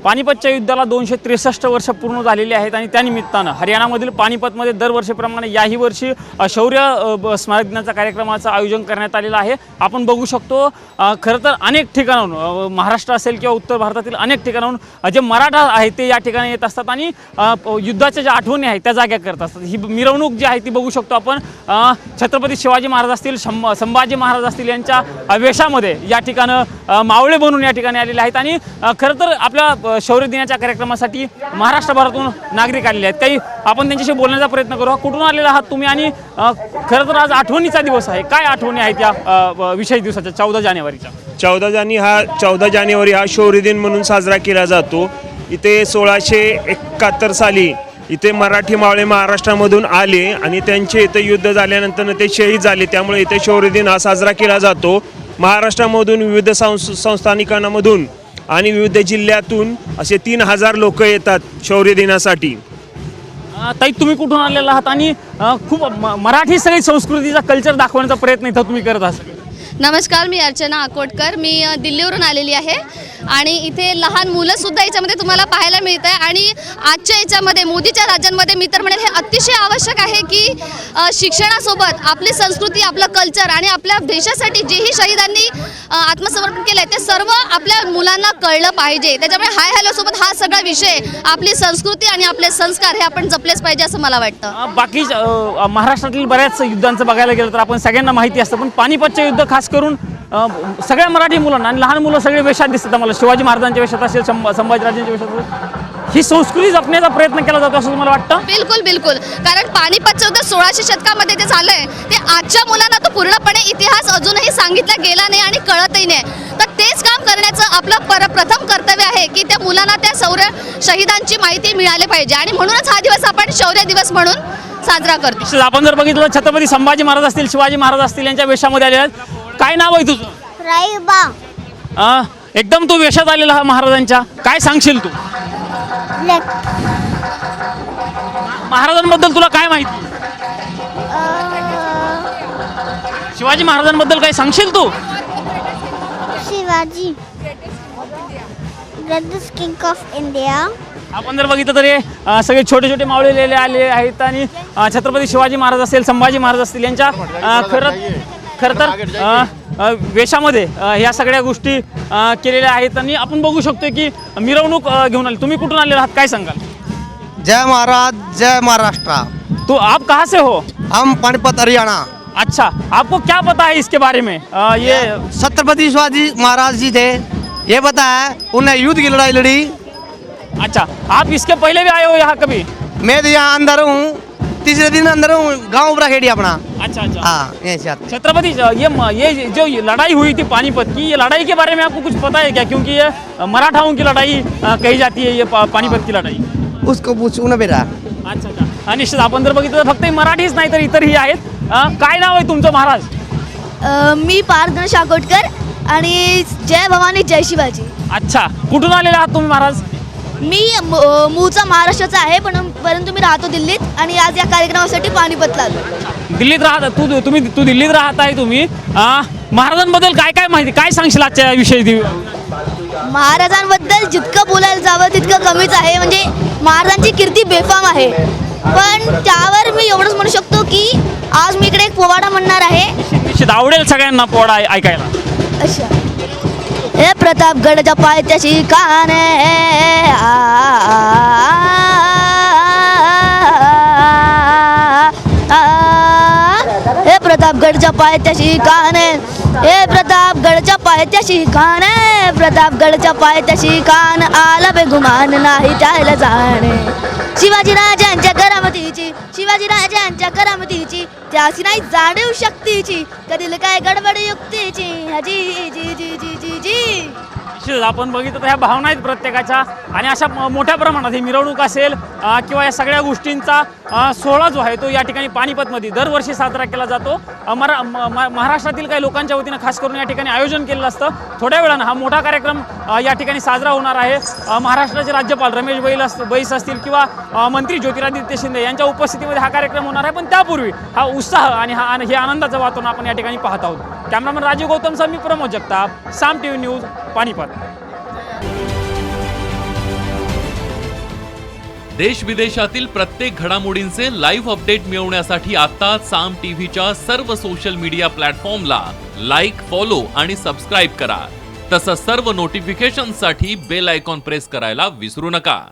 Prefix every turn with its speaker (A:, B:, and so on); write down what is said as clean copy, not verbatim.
A: पानिपतच्या युद्धाला 263 वर्ष पूर्ण झालेली आहेत आणि त्यानिमित्तानं हरियाणामधील पानिपतमध्ये दरवर्षीप्रमाणे याही वर्षी शौर्य स्मारक दिनाचा कार्यक्रमाचं आयोजन करण्यात आलेलं आहे। आपण बघू शकतो खरं तर अनेक ठिकाणाहून महाराष्ट्र असेल किंवा उत्तर भारतातील अनेक ठिकाणाहून जे मराठा आहेत ते या ठिकाणी येत असतात आणि युद्धाच्या ज्या आठवणी आहेत त्या जाग्या करत असतात। ही मिरवणूक जी आहे ती बघू शकतो आपण छत्रपती शिवाजी महाराज असतील संभाजी महाराज असतील यांच्या वेशामध्ये या ठिकाणं मावळे बनून या ठिकाणी आलेले आहेत आणि खरं तर आपल्या शौर्य दिनाच्या कार्यक्रमासाठी महाराष्ट्रभरातून नागरिक आलेले आहेत। काही आपण त्यांच्याशी बोलण्याचा प्रयत्न करू। कुठून आलेला आहात तुम्ही आणि खरं तर आज आठवणीचा दिवस आहे, काय आठवणी आहेत या विशेष दिवसाच्या 14 जानेवारीच्या?
B: 14 जानेवारी हा शौर्य दिन म्हणून साजरा केला जातो। इथे 1671 साली इथे मराठी मावळे महाराष्ट्रामधून आले आणि त्यांचे इथे युद्ध झाल्यानंतर ते शहीद झाले, त्यामुळे इथे शौर्य दिन हा साजरा केला जातो। महाराष्ट्रामधून विविध संस्थानिकांमधून आणि विविध जिल्ह्यातून असे 3000 लोक येतात शौर्य दिनासाठी।
A: ताई तुम्ही कुठून आलेला आहात आणि खूप मराठी सगळी संस्कृतीचा कल्चर दाखवण्याचा प्रयत्न इथं तुम्ही करत आहात?
C: नमस्कार, मी अर्चना आकोटकर, मी दिल्लीवरून आलेली आहे आणि इथे लहान मुलंसुद्धा याच्यामध्ये तुम्हाला पाहायला मिळत आहे। आणि आजच्या याच्यामध्ये मोदीच्या राज्यांमध्ये मी तर म्हणेल हे अतिशय आवश्यक आहे की शिक्षणासोबत आपली संस्कृती, आपलं कल्चर आणि आपल्या देशासाठी जेही शहीदांनी आत्मसमर्पण केलं आहे ते सर्व आपल्या मुलांना कळलं पाहिजे। त्याच्यामुळे हाय हॅलोसोबत हा सगळा विषय आपली संस्कृती आणि आपले संस्कार हे आपण जपलेच पाहिजे असं मला वाटतं।
A: बाकी महाराष्ट्रातील बऱ्याच युद्धांचं बघायला गेलं तर आपण सगळ्यांना माहिती असतं, पण पानिपतचे युद्ध खास करून सगळ्या मराठी मुलांना आणि लहान मुलं सगळे वेशात दिसतात। मला शिवाजी महाराजांच्या वेशात असेल, संभाजीराजांच्या वेशात असेल, ही संस्कृती जपण्याचा प्रयत्न केला जातो असं तुम्हाला वाटतं?
C: बिलकुल बिलकुल, कारण पानिपतचं युद्ध 1600 शतकामध्ये जे झालंय ते आजच्या मुलांना तो पूर्णपणे इतिहास अजूनही सांगितला गेला नाही आणि कळतही नाही। तर तेच काम करण्याचं आपलं प्रथम कर्तव्य आहे की त्या मुलांना त्या शहीदांची माहिती मिळाली पाहिजे आणि म्हणूनच हा दिवस आपण शौर्य दिवस म्हणून साजरा करतो।
A: आपण जर बघितलं छत्रपती संभाजी महाराज असतील, शिवाजी महाराज असतील यांच्या वेशामध्ये आले आहेत। काय नाव आहे तुझं?
D: राईबा।
A: एकदम तू वेशात आलेला महाराजांच्या, काय सांगशील तू? महाराजांबद्दल तुला काय माहिती? शिवाजी महाराजांबद्दल काय सांगशील तू?
D: Shivaji greatest king of India.
A: आपण जर बघितलं तर हे सगळे छोटे छोटे मावळे आले आहेत आणि छत्रपती शिवाजी महाराज असतील, संभाजी महाराज असतील यांच्या खरं तर वेशामध्ये ह्या सगळ्या गोष्टी केलेल्या आहेत आणि आपण बघू शकतो की मिरवणूक घेऊन आली। तुम्ही कुठून आलेला आहात, काय सांगाल?
E: जय महाराज, जय महाराष्ट्र।
A: तो आप कहाँ से हो?
E: हम पानीपत हरियाणा।
A: अच्छा, आपको क्या पता है इसके बारे में? ये
E: छत्रपति शिवाजी महाराज जी थे, ये पता है, उन्हें युद्ध की लड़ाई लड़ी।
A: अच्छा, आप इसके पहले भी आए हो यहाँ कभी?
E: मैं तो यहाँ अंदर हूँ, तीसरे दिन अंदर हूँ, गाँव उपरा खेड़ी अपना।
A: अच्छा अच्छा,
E: हाँ, ऐसे आते।
A: छत्रपति ये जो लड़ाई हुई थी पानीपत की, ये लड़ाई के बारे में आपको कुछ पता है क्या? क्योंकि ये मराठाओं की लड़ाई कही जाती है, ये पानीपत की लड़ाई।
E: उसको पूछू ना बेटा।
A: अच्छा अच्छा, निश्चित आपण जर बघितलं तर फक्त मराठीच नाही तर इतरही आहेत। काय नाव आहे तुमचं महाराज?
C: मी पार्थ शाकोटकर आणि जय भवानी जय शिवाजी।
A: अच्छा, कुठून आलेला आहात तुम्ही महाराज?
C: मी मूळचा महाराष्ट्राचा आहे परंतु मी राहतो दिल्लीत आणि आज या कार्यक्रमासाठी पानिपतला आलो।
A: दिल्लीत राहता तू दिल्लीत राहत आहे तुम्ही। महाराजांबद्दल काय काय माहिती, काय सांगशील आजच्या विषयी?
C: महाराजांबद्दल जितकं बोलायला जावं तितकं कमीच आहे, म्हणजे महाराजांची कीर्ती बेफाम आहे। पण त्यावर मी एवढंच म्हणू शकतो की आज मी इकडे एक पोवाडा म्हणणार आहे।
A: निश्चित आवडेल सगळ्यांना पोवाडा ऐकायला।
C: अच्छा, हे प्रतापगडच्या पायथ्याशी काने, हे प्रतापगडच्या पायथ्याशी काने, हे प्रतापगडच्या पायथ्याशी काने, प्रतापगडच्या पायथ्याशी कान, आला बेगुमान नाही त्याला जाणे। शिवाजीराजांच्या करामतीची, शिवाजीराजांच्या करामतीची, त्याची नाही जाणीव शक्तीची, कधील काय गडबड युक्तीची, जी जी जी जी जी जी।
A: आपण बघितलं तर ह्या भावना आहेत प्रत्येकाच्या आणि अशा मोठ्या प्रमाणात ही मिरवणूक असेल किंवा या सगळ्या गोष्टींचा सोहळा जो आहे तो या ठिकाणी पानिपतमध्ये दरवर्षी साजरा केला जातो। महाराष्ट्रातील काही लोकांच्या वतीनं खास करून या ठिकाणी आयोजन केलेलं असतं। थोड्या वेळानं हा मोठा कार्यक्रम या ठिकाणी साजरा होणार आहे। महाराष्ट्राचे राज्यपाल रमेश बैस असतील किंवा मंत्री ज्योतिरादित्य शिंदे यांच्या उपस्थितीमध्ये हा कार्यक्रम होणार आहे। पण त्यापूर्वी हा उत्साह आणि हे आनंदाचं वातावरण आपण या ठिकाणी पाहत आहोत। कॅमेरामन राजीव गौतम सह मी प्रमोद जगताप, साम टीव्ही न्यूज, पानिपत।
F: देश विदेशातील प्रत्येक घडामोडींचे लाईव्ह अपडेट मिळवण्यासाठी आता साम टीव्हीच्या सर्व सोशल मीडिया प्लॅटफॉर्मला लाईक, फॉलो आणि सबस्क्राईब करा. तसंच सर्व नोटिफिकेशनसाठी बेल आयकॉन प्रेस करायला विसरू नका.